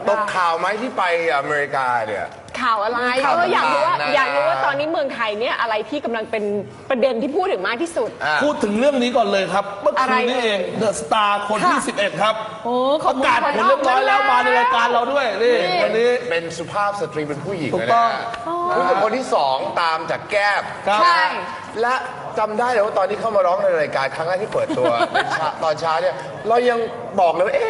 ตกข่าวไหมที่ไปอเมริกาเนี่ยข่าวอะไรอยากรู้ว่าตอนนี้เมืองไทยเนี่ยอะไรที่กำลังเป็นประเด็นที่พูดถึงมากที่สุดพูดถึงเรื่องนี้ก่อนเลยครับเมื่อคืนนี้เองเดอะสตาร์คนที่11ครับประกาศผลเรียบร้อยแล้วมาในรายการเราด้วยนี่วันนี้เป็นสุภาพสตรีเป็นผู้หญิงถูกต้องผู้หญิงคนที่2ตามจากแก้มใช่และจำได้เลยว่าตอนที่เข้ามาร้องในรายการครั้งแรกที่เปิดตัวตอนเช้าเนี่ยเรายังบอกเลยว่า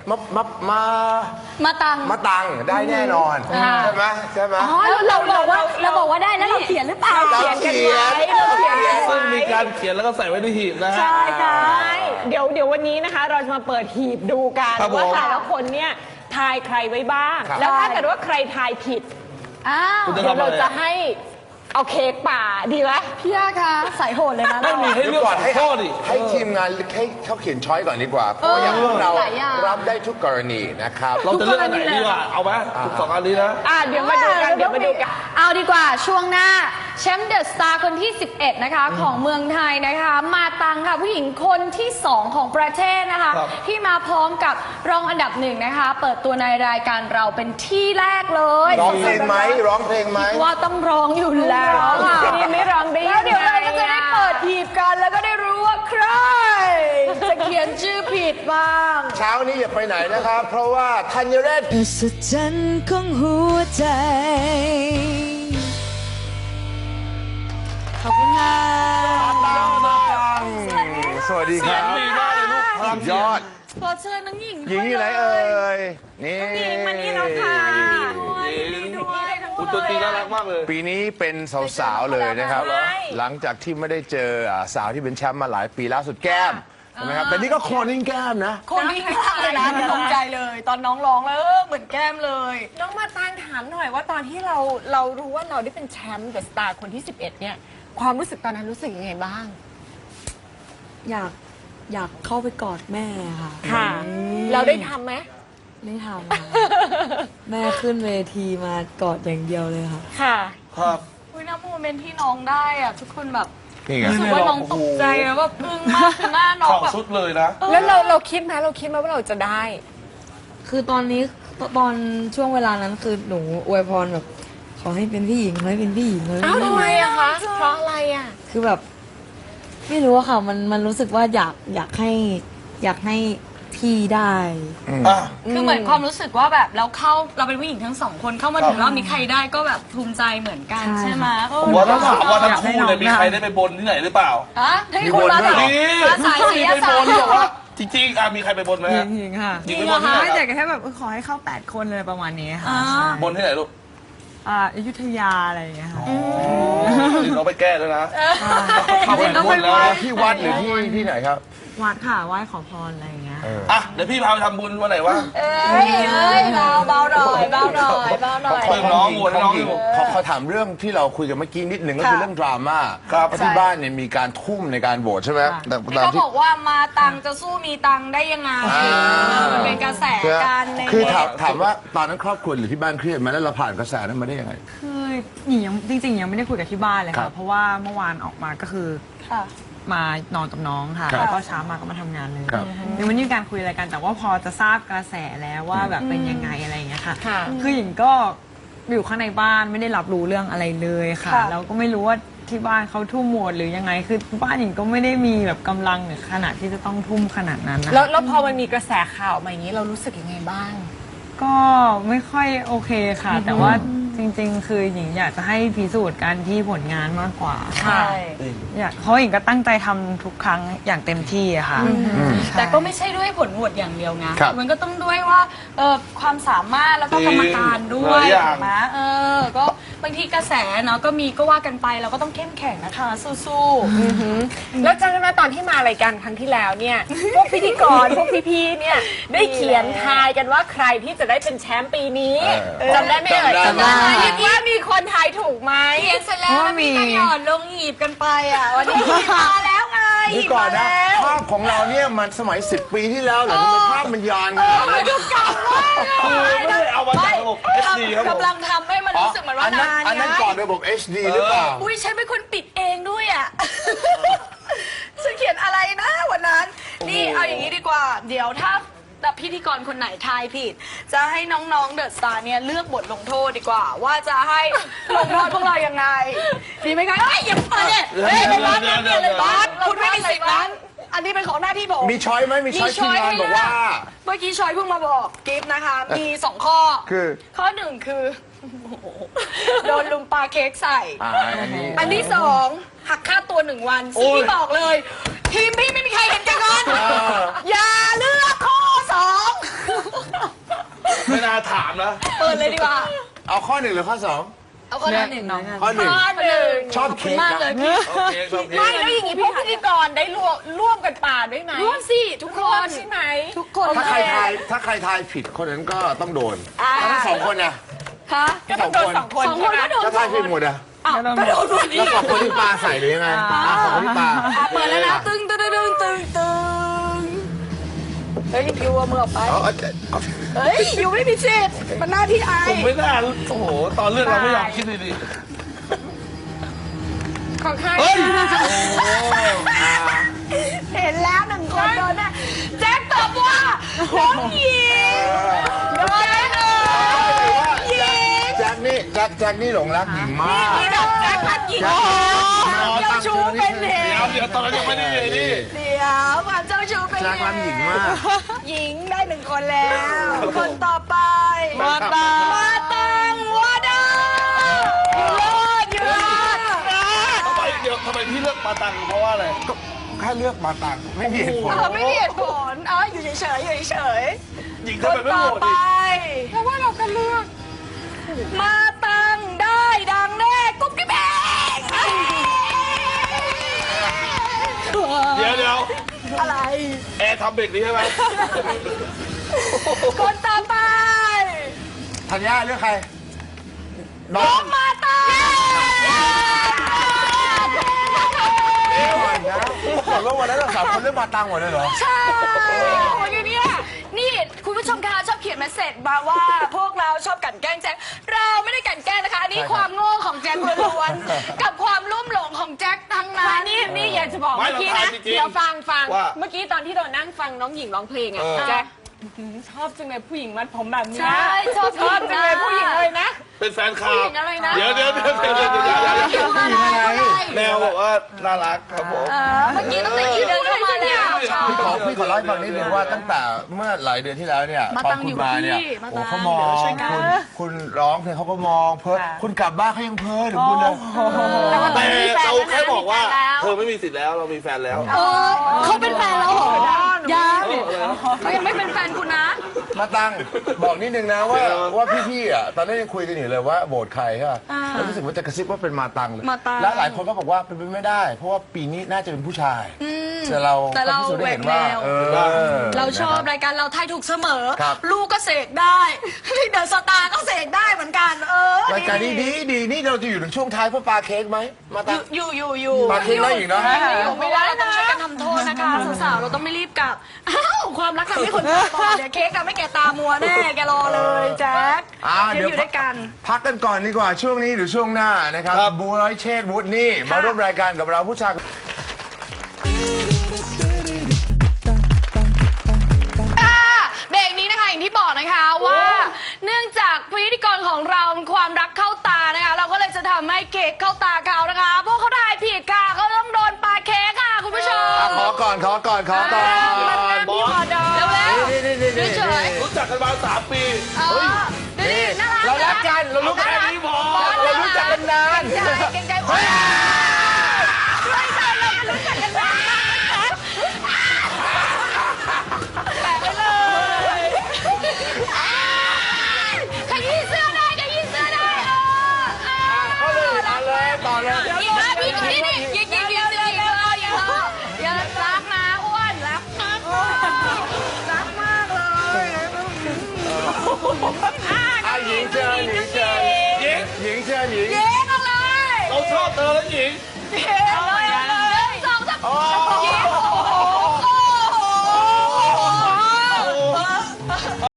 มาตังได้แน่นอนใช่ไหมเราบอกว่าได้แล้วเราเขียนหรือเปล่าเราเขียนซึ่งมีการเขียนแล้วก็ใส่ไว้ในหีบนะฮะใช่ค่ะเดี๋ยววันนี้นะคะเราจะมาเปิดหีบดูกันว่าแต่ละคนเนี่ยทายใครไว้บ้างแล้วถ้าเกิดว่าใครทายผิดเดี๋ยวเราจะให้เอาเค้กป่าดีไหมพี่ย่าคะใส่โหดเลยนะไม่มีให้เลือกก่อนให้ทีมงานให้เขาเขียนช้อยก่อนดีกว่าเพราะอย่างพวกเรารับได้ทุกกรณีนะครับเราจะเลือกอันไหนดีกว่าเอาไหมทุก2อันนี้นะเดี๋ยวมาดูกันเอาดีกว่าช่วงหน้าแชมป์เดอะสตาร์คนที่11นะคะของเมืองไทยนะคะมาตังค่ะผู้หญิงคนที่2ของประเทศนะคะที่มาพร้อมกับรองอันดับ1นะคะเปิดตัวในรายการเราเป็นที่แรกเลยร้องเพลงไหมว่าต้องร้องอยู่แล้วนี่ไม่ร้องได้แล้วเดี๋ยวเราก็จะได้เปิดหีบกันแล้วก็ได้รู้ว่าใครจะเขียนชื่อผิดบ้างเช้านี้อย่าไปไหนนะครับเพราะว่าธัญเรศสุดจันของหัวใจขอบคุณค่ะสวัสดีครับดีมากเลยลูกพลังยอดขอเชิญน้องหญิงหญิงอยู่ไหนเอ่ยนี่หญิงมานี่แล้วค่ะอุตตีน่ารักมากเลยปีนี้เป็นสาวๆเลยนะครับหลังจากที่ไม่ได้เจอสาวที่เป็นแชมป์มาหลายปีล่าสุดแก้มใช่ไหมครับแต่นี่ก็โคนนิ่งแก้มนะโคนนิ่งเลยนะตกใจเลยตอนน้องร้องแล้วเหมือนแก้มเลยน้องมาตางถามหน่อยว่าตอนที่เรารู้ว่าเราได้เป็นแชมป์เดอะสตาร์คนที่11เนี่ยความรู้สึกตอนนั้นรู้สึกยังไงบ้างอยากเข้าไปกอดแม่ค่ะเราได้ทำไหมไม่ทำแม่ขึ้นเวทีมากอดอย่างเดียวเลยค่ะครับอุ้ยน้ำโมเมนต์ที่น้องได้อะทุกคนแบบรู้สึกว่าน้องตกใจแล้วแบบอึ้งมากคือหน้าน้องแบบสุดเลยนะแล้วเราคิดไหมว่าเราจะได้คือตอนช่วงเวลานั้นคือหนูอวยพรแบบขอให้เป็นพี่หญิงเลยเป็นพี่หญิงเลยทำไมอะคะเพราะอะไรอะคือแบบไม่รู้อะค่ะมันรู้สึกว่าอยากให้พี่ได้คือเหมือนความรู้สึกว่าแบบเราเป็นผู้หญิงทั้ง2คนเข้ามาถึงรอบนี้ใครได้ก็แบบภูมิใจเหมือนกันใช่ไหมผมว่าต้องถามว่าทั้งคู่เลยมีใครได้ไปบนที่ไหนหรือเปล่าให้คุณมาสายศิลปะบอกว่าจริงๆมีใครไปบนไหมหญิงค่ะจริงเหรอคะไม่แต่แค่แบบขอให้เข้า8คนเลยประมาณนี้ค่ะบนที่ไหนลูกอยุธยาอะไรอย่างเงี้ยค่ะเราไปแก้แล้วนะเข้าไปบนแล้วที่วัดหรือที่ไหนครับวัดค่ะไหว้ขอพรอะไรอย่างเงี้ยเดี๋ยวพี่พาไปทำบุญวันไหนวะเบาหน่อยน้องหมดน้องอยู่เขาถามเรื่องที่เราคุยกันเมื่อกี้นิดหนึ่งก็คือเรื่องดราม่าที่บ้านเนี่ยมีการทุ่มในการโหวตใช่ไหมแต่เขาบอกว่ามาตังจะสู้มีตังได้ยังไงมันเป็นกระแสการคือถามว่าตอนนั้นครอบครัวหรือที่บ้านเครียดไหมแล้วเราผ่านกระแสนั้นมาได้ยังไงคือหญิงจริงๆยังไม่ได้คุยกับที่บ้านเลยค่ะเพราะว่าเมื่อวานออกมาก็คือมานอนกับน้องค่ะแล้วก็เช้ามาก็มาทำงานเลยยังไม่มีการคุยอะไรกันแต่ว่าพอจะทราบกระแสแล้วว่าแบบเป็นยังไงอะไรอย่างเงี้ยค่ะคือหญิงก็อยู่ข้างในบ้านไม่ได้รับรู้เรื่องอะไรเลยค่ะแล้วก็ไม่รู้ว่าที่บ้านเขาทุ่มโหมดหรือยังไงคือบ้านหญิงก็ไม่ได้มีแบบกำลังหรือขนาดที่จะต้องทุ่มขนาดนั้นนะแล้วพอมันมีกระแสข่าวมาอย่างนี้เรารู้สึกยังไงบ้างก็ไม่ค่อยโอเคค่ะแต่ว่าจริงๆคือหญิงอยากจะให้พิสูจน์กันที่ผลงานมากกว่าใช่เพราะหญิงก็ตั้งใจทำทุกครั้งอย่างเต็มที่อะค่ะแต่ก็ไม่ใช่ด้วยผลโหวตอย่างเดียวนะมันก็ต้องด้วยว่าความสามารถแล้วก็กรรมการด้วยนะก็บางทีกระแสเนาะก็ว่ากันไปเราก็ต้องเข้มแข็งนะคะสู้ๆแล้วจำได้ไหมตอนที่มารายการครั้งที่แล้วเนี่ยพวกพิธีกรพวกพี่ๆเนี่ยได้เขียนทายกันว่าใครที่จะได้เป็นแชมป์ปีนี้จำได้ไหมเอ่ยจำได้ว่ามีคนทายถูกไหมเขียนเสร็จแล้วมีกระหย่อนลงหีบกันไปอ่ะวันนี้หีบมาแล้วไงหีบก่อนนะภาพของเราเนี่ยมันสมัย10 ปีที่แล้วเหรอทำไมภาพมันย้อนกันมันดูเก่ามากไม่ได้เอามาจากระบบ HD ครับผมกำลังทำให้มันรู้สึกเหมือนว่านานอันนั้นก่อนระบบ HD หรือเปล่าอุ้ยฉันเป็นคนปิดเองด้วยอ่ะฉันเขียนอะไรนะวันนั้นนี่เอาอย่างนี้ดีกว่าเดี๋ยวถ้าแต่พิธีกรคนไหนทายผิด จะให้น้องๆเดอะสตาร์เนี่ยเลือกบทลงโทษดีกว่า ว่าจะให้ลงโทษพวกเรายังไงดีไหมคะเฮ้ยอย่าเปิดเนี่ยเฮ้ยเป็นร้านเปลี่ยนเลยบอสคุณไม่มีสิทธิ์นั้นอันนี้เป็นของหน้าที่ผมมีช้อยไหมมีช้อยทีมงานบอกว่าเมื่อกี้ชอยเพิ่งมาบอกกิฟต์นะคะ มี 2 ข้อคือข้อ 1 คือ โดนลุมปลาเค้กใส่อันนี้อันที่ 2 หักค่าตัว 1 วันซึ่งพี่บอกเลย ทีมพี่ไม่มีใครเห็นแก่เงินอย่าเลือกข้อไม่น่าถามนะ 2 เปิดเลยดีกว่าเอาข้อหนึ่งหรือข้อสองเอาข้อหนึ่งข้อหนึ่งข้อหนึ่งชอบเค้กมากนะเลยพี่โอเคโอเคไม่แล้วอย่างนี้พวกพิธีกรได้ร่วมกันป่าด้วยไหมร่วมสิทุกคร่วมนใช่ไหมทุกคนถ้าใครทายผิดคนนั้นก็ต้องโดนทั้งสองคนนะคะก็ต้องโดน2 คนสองคนก็โดนถ้าทายผิดหมดอะอ้าวก็โดนหมดนี่แล้วสองคนที่ปลาใส่หรือยังไงสองคนที่ปลาเปิดแล้วนะตึงตึงตึงตึงตึงเฮ้ยยูเอามือออกไป เฮ้ยยูไม่มีสิทธิ์มันหน้าที่ไอผมไม่น่าโอ้โห ตอนเลือกเราไม่ยอมคิดดีของใครๆเฮ้ยเห็นแล้ว1 คนโดนแน่แจ็คตอบว่าน้องหญิงโดนแน่หญิงแจ็คนี่หลงรักหญิงมากนี่แบบแจ็ครักหญิงเจ้าชู้เป็นเหตุเดี๋ยวตอนนั้นยังไม่ได้เลยนี่เดี๋ยวความเจ้าชู้เป็นแจ็คเหรักหญิงตุมากหญิงได้1 คนแล้ว คนต่อไปมาตังวาดาอยู่รอดทำไมพี่เลือกปาตังเพราะว่าอะไรแค่เลือกมาตังไม่มีเหตุผลไม่มีเหตุผลอยู่เฉยๆอยู่เฉยหญิงๆคทำไมนไม่ต่อโหวตไปอีกเพราะว่าเราก็เลือกมาตังได้ดังแน่กุ๊บกิ๊บเองเดี๋ยวอะไรแอร์ทำเบรกนี้ใช่ไหมคนต่อไปธัญญาเลือกใคร น้น้ออง งมาตังก่อนนะก่อนว่าวันนั้นเราสามคนเลือกมาตังหมดเลยเหรอใช่โอ้ยเนี่ยนี่คุณผู้ชมคะชอบเขียนเมสเซจมาว่าพวกเราชอบกลั่นแกล้งแจ็คเราไม่ได้กลั่นแกล้งนะคะอันนี่ความโง่ของแจ็คล้วนๆกับความลุ่มหลงของแจ็คทั้งนั้นนี่อยากจะบอกไม่เมื่อกี้เรานะทายจริงๆเดี๋ยวฟังว่าเมื่อกี้ตอนที่เรานั่งฟังน้องหญิงร้องเพลงอ่ะแจ็คชอบจังเลยผู้หญิงมัดผมแบบนี้ใช่ชอบจังเลยผู้หญิงเลยนะเป็นแฟนคลัผู้หบญิงอะไรนะเดี๋ยวแมวบอกว่าน่ารักครับผมเมื่อกี้ตั้งแต่ยืนเดินเข้ามาแล้วชอบพี่ขอเล่าให้ฟังนิดนึงว่าตั้งแต่เมื่อหลายเดือนที่แล้วเนี่ยมาตอตันงคุอยู่ณมาเนี่ยกับพี่มาตังโอ้เขามองเดี๋ยวช่วยกันคุณร้องเพลงเขาก็มองเพ้อคุณกลับบ้านเขายังเพ้อถึงคุณเลยแต่เราแค่บอกว่าเธอไม่มีสิทธิ์แล้วเรามีแฟนแล้วเขาเป็นแฟนเราเหรอยังเขายังไม่เป็นแฟนคุณนะมาตังบอกนิดนึงนะว่าพี่ๆอ่ะตอนนั้นยังคุยกันอยู่เลยว่าโหวตใครใช่ป่ะแล้วรู้สึกว่าจะกระซิบว่าเป็นมาตังเลยมาตังแล้วหลายคนก็บอกว่าเป็นไปไม่ได้ เพราะว่าปีนี้น่าจะเป็นผู้ชายแต่เราแต่เราพิสูจน์ได้เห็นว่าแหวกแนว เราชอบรายการเราทายถูกเสมอครับลูกก็เสกได้เดอะสตาร์ก็เสกได้เหมือนกันรายการนี้ดีนี่เราจะอยู่ถึงช่วงท้ายเพื่อปลาเค้กไหมมาตังอยู่ปลาเค้กได้อีกเนาะอยู่ไม่ได้เราต้องช่วยกันทำโทษนะคะสาวๆเราต้องไม่รีบกลับอ้าวความรักทำให้คนตาบอดเดี๋ยวเค้กอะไม่แก่ตามัวแน่แกรอเลยแจ็คเดี๋ยวอยู่ด้วยกันพักกันก่อนดีกว่าช่วงนี้หรือช่วงหน้านะครับบูร้อยเชษฐ์วุฒินี่มาร่วมรายการกับเราผู้ชายเบรกนี้นะคะอย่างที่บอกนะคะว่าเนื่องจากพิธีกรของเราความรักเข้าตานะคะเราก็เลยจะทำให้เค้กเข้าตาเขานะคะพวกเขาทายผิดค่ะเขาต้องโดนปาเค้กค่ะคุณผู้ชมขอก่อนบอสเร็วๆเฉยรู้จักกันมา3 ปีๆนี่น่ารักเรารักกันเรารู้แค่กันนี้พอเรารู้จักกันนานเก่งใจโอ้ยไม่ใช่เรารู้จักกันนานแปะไปเลยขยี้เสื้อได้ต่อเลยยิงนะพี่นี่ยิงอย่ารักนะอ้วนรักมากเลยหญิงเชิญหญิงหญิงหญิงเชิญหญิงเย้กันเลยเราชอบเธอแล้วหญิงเย้